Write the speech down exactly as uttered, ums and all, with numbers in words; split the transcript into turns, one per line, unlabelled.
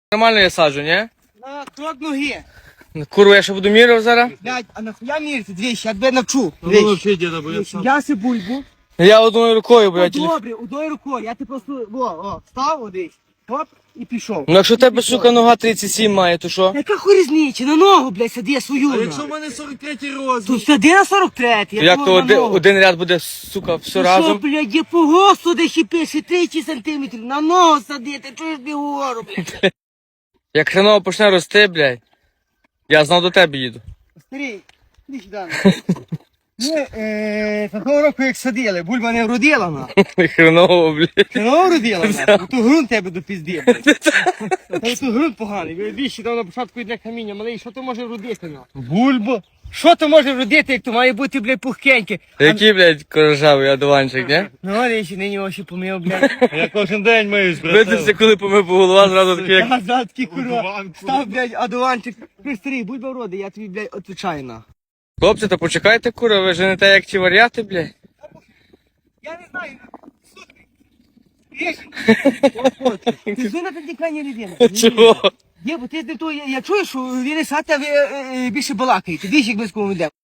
Нормально я саджу, ні?
На крок ноги.
Курва, я ще буду міряв зараз.
Блядь, а нахуя мірити? Двічі, я тебе навчу.
Ну,
Двічі.
вообще, деда, бо я сам.
Я си бульбу.
Я одною рукою,
О,
блядь.
добре, одною рукою. Я ти просто, о, о, став одесь. Хоп, і пішов.
Ну якщо в тебе, сука, нога тридцять сім має, то що?
Яка хуй різниця? На ногу, блядь, сади свою.
А
на.
якщо в мене сорок третій розмір?
Тут сади на сорок третій. я
Як
думав,
то
на
один,
ногу.
один ряд буде, сука, все
Що,
разом?
блядь, є по госту, де ще пише тридцять сантиметрів. На ногу сади, ти чуєш не говорю, блядь.
Як хреново почне рости, блядь, я знов до тебе їду.
Старий, іди сюди. Ми, е, такого року як садили, бульба не вродила, на.
Хреново, блядь.
Ти не вродила, на. Ту ґрунт тебе до пізді, блядь. Та ту ґрунт поганий. Ви більше там на початку йде каміння, малий, що то може вродити, на?
Бульба.
Що то може вродити, як то має бути, блядь, пухкеньке?
Який, блядь, корожавий одуванчик, ні?
Ну, але ще нині очі помив, блядь.
Я кожен день миюсь, блядь.
Видився, коли помив по голова, зразу такий, як...
Я зараз такий, курва,
Одуванку.
став, блядь, одуванчик. Ти старий, бульба вроди, я тобі, блядь, відповідаю, на.
Хлопці, та почекайте, кура, ви женете як ті варіати, блядь.
Я не знаю, слухай. Ти зуна на підтікання людини.
Чого?
Є, бо ти не то, я, я чую, що він сати, а ви е, е, більше балакаєте. Двічі, як близько йде.